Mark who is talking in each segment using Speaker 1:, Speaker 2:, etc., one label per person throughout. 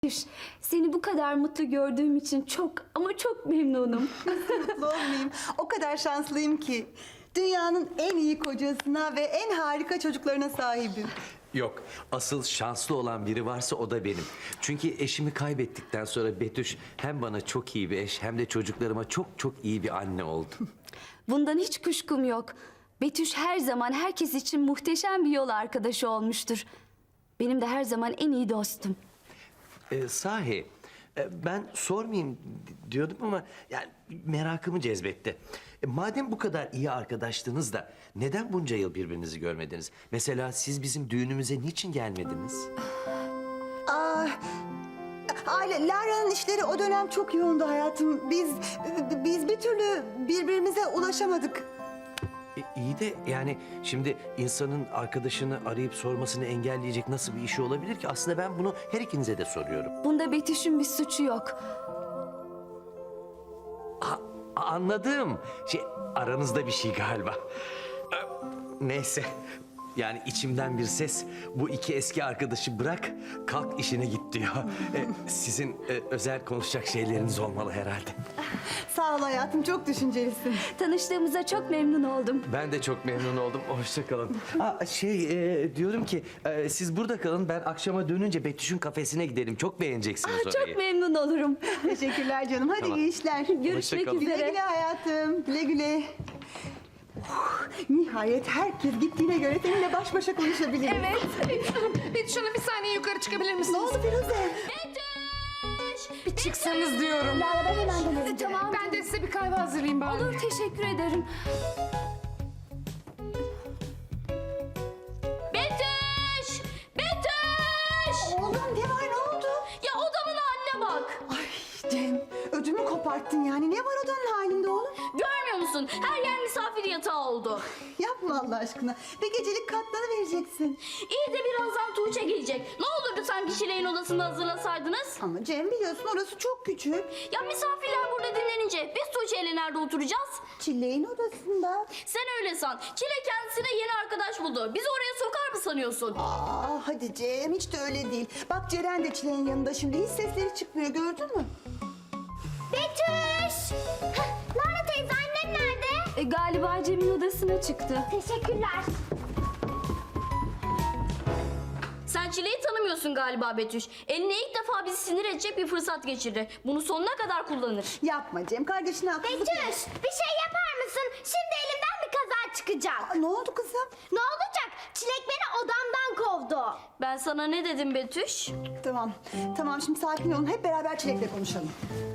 Speaker 1: Seni bu kadar mutlu gördüğüm için çok ama çok memnunum.
Speaker 2: Mutlu olmayayım. O kadar şanslıyım ki. Dünyanın en iyi kocasına ve en harika çocuklarına sahibim.
Speaker 3: Yok, asıl şanslı olan biri varsa o da benim. Çünkü eşimi kaybettikten sonra Betüş hem bana çok iyi bir eş hem de çocuklarıma çok çok iyi bir anne oldu.
Speaker 1: Bundan hiç kuşkum yok. Betüş her zaman herkes için muhteşem bir yol arkadaşı olmuştur. Benim de her zaman en iyi dostum.
Speaker 3: Sahi, ben sormayayım diyordum ama yani merakımı cezbetti. Madem bu kadar iyi arkadaştınız da neden bunca yıl birbirinizi görmediniz? Mesela siz bizim düğünümüze niçin gelmediniz?
Speaker 2: Lara'nın işleri o dönem çok yoğundu hayatım. Biz bir türlü birbirimize ulaşamadık.
Speaker 3: İyi de yani şimdi insanın arkadaşını arayıp sormasını engelleyecek nasıl bir işi olabilir ki? Aslında ben bunu her ikinize de soruyorum.
Speaker 1: Bunda Betüş'ün bir suçu yok.
Speaker 3: Anladım. Aranızda bir şey galiba. Neyse. Yani içimden bir ses bu iki eski arkadaşı bırak kalk işine git diyor. Sizin özel konuşacak şeyleriniz olmalı herhalde.
Speaker 2: Sağ ol hayatım, çok düşüncelisin.
Speaker 1: Tanıştığımıza çok memnun oldum.
Speaker 3: Ben de çok memnun oldum. Hoşça kalın. Diyorum ki siz burada kalın. Ben akşama dönünce Betüş'ün kafesine gidelim. Çok beğeneceksiniz orayı.
Speaker 1: Çok memnun olurum.
Speaker 2: Teşekkürler canım. Hadi
Speaker 3: Tamam.
Speaker 2: iyi işler.
Speaker 1: Görüşmek
Speaker 3: kalın.
Speaker 2: Güle
Speaker 1: üzere.
Speaker 2: güle hayatım. Güle güle. Nihayet herkes gittiğine göre seninle baş başa konuşabiliriz.
Speaker 4: Evet. Betüş Hanım bir saniye yukarı çıkabilir misiniz?
Speaker 2: Ne oldu Firuze?
Speaker 4: Bir çıksanız diyorum.
Speaker 2: Lara ben hemen dönerim.
Speaker 1: Tamam.
Speaker 4: Ben de size bir kahve hazırlayayım bari.
Speaker 1: Olur, teşekkür ederim.
Speaker 5: Betüş! Betüş!
Speaker 2: Oğlum ne var, ne oldu?
Speaker 5: Ya odamın haline bak.
Speaker 2: Ay Cem, ödümü koparttın yani. Ne var odanın halinde oğlum?
Speaker 5: Görmüyor musun? Her yer misafir yatağı oldu.
Speaker 2: Yapma Allah aşkına. Bir gecelik katlanı vereceksin.
Speaker 5: İyi de birazdan Tuğçe gelecek. Ne olurdu sanki Şile'nin odasını hazırlasaydınız?
Speaker 2: Ama Cem biliyorsun orası çok küçük.
Speaker 5: Ya misafirler burada dinlenince biz Tuğçe'yle nerede oturacağız?
Speaker 2: Çileğin odasında.
Speaker 5: Sen öyle san. Çile kendisine yeni arkadaş buldu. Bizi oraya sokar mı sanıyorsun?
Speaker 2: Hadi Cem, hiç de öyle değil. Bak Ceren de Çileğin yanında şimdi. Hiç sesleri çıkmıyor, gördün mü?
Speaker 6: Betüş! Lara teyze, annen nerede?
Speaker 1: Galiba Cem'in odasına çıktı.
Speaker 6: Teşekkürler.
Speaker 5: Sen Çile'yi tanımıyorsun galiba Betüş. Eline ilk defa bizi sinir edecek bir fırsat geçirdi. Bunu sonuna kadar kullanır.
Speaker 2: Yapma Cem, kardeşine haksızlık.
Speaker 6: Betüş, bir şey yapar mısın? Şimdi elimden bir kaza çıkacak.
Speaker 2: Ne oldu kızım?
Speaker 6: Ne olacak? Çilek beni odamdan kovdu.
Speaker 5: Ben sana ne dedim Betüş?
Speaker 2: Tamam şimdi sakin olun. Hep beraber Çilek'le konuşalım.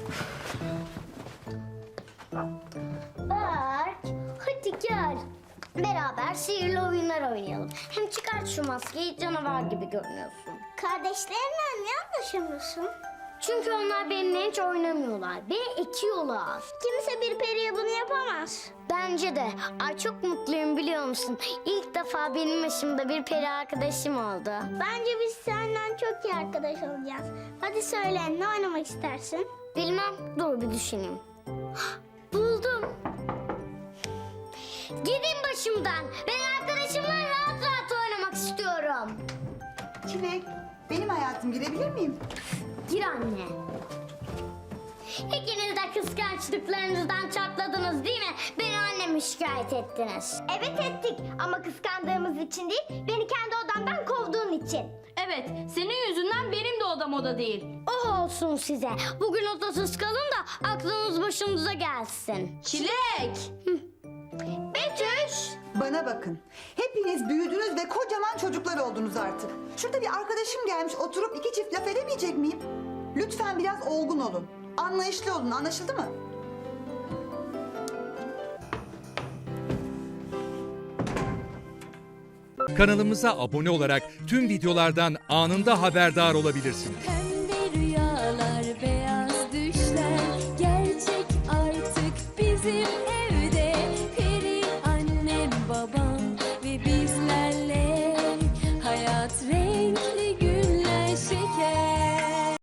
Speaker 6: Berk, hadi gel. Beraber sihirli oyunlar oynayalım. Hem çıkart şu maskeyi, canavar gibi görünüyorsun. Kardeşlerimle niye anlaşamıyorsun? Çünkü onlar benimle hiç oynamıyorlar. Beni ekiyorlar. Kimse bir periye bunu yapamaz. Bence de. Ay çok mutluyum biliyor musun? İlk defa benim yaşımda bir peri arkadaşım oldu. Bence biz senden çok iyi arkadaş olacağız. Hadi söyle, ne oynamak istersin? Bilmem. Dur bir düşüneyim. Buldum. Gidin başımdan. Ben arkadaşımla rahat rahat oynamak istiyorum.
Speaker 2: Çilek, benim hayatım, girebilir miyim?
Speaker 6: Gir anne. İkiniz de kıskançlıklarınızdan çatladınız değil mi? Beni anneme şikayet ettiniz. Evet ettik ama kıskandığımız için değil, beni kendi odamdan kovduğun için.
Speaker 5: Evet, senin yüzünden benim de odam oda değil.
Speaker 6: Oh olsun size. Bugün odasız kalın da aklınız başınıza gelsin.
Speaker 5: Çilek!
Speaker 6: Betüş!
Speaker 2: Bana bakın. Hepiniz büyüdünüz ve kocaman çocuklar oldunuz artık. Şurada bir arkadaşım gelmiş, oturup iki çift laf edemeyecek miyim? Lütfen biraz olgun olun. Anlayışlı olun, anlaşıldı mı?
Speaker 7: Kanalımıza abone olarak tüm videolardan anında haberdar olabilirsiniz.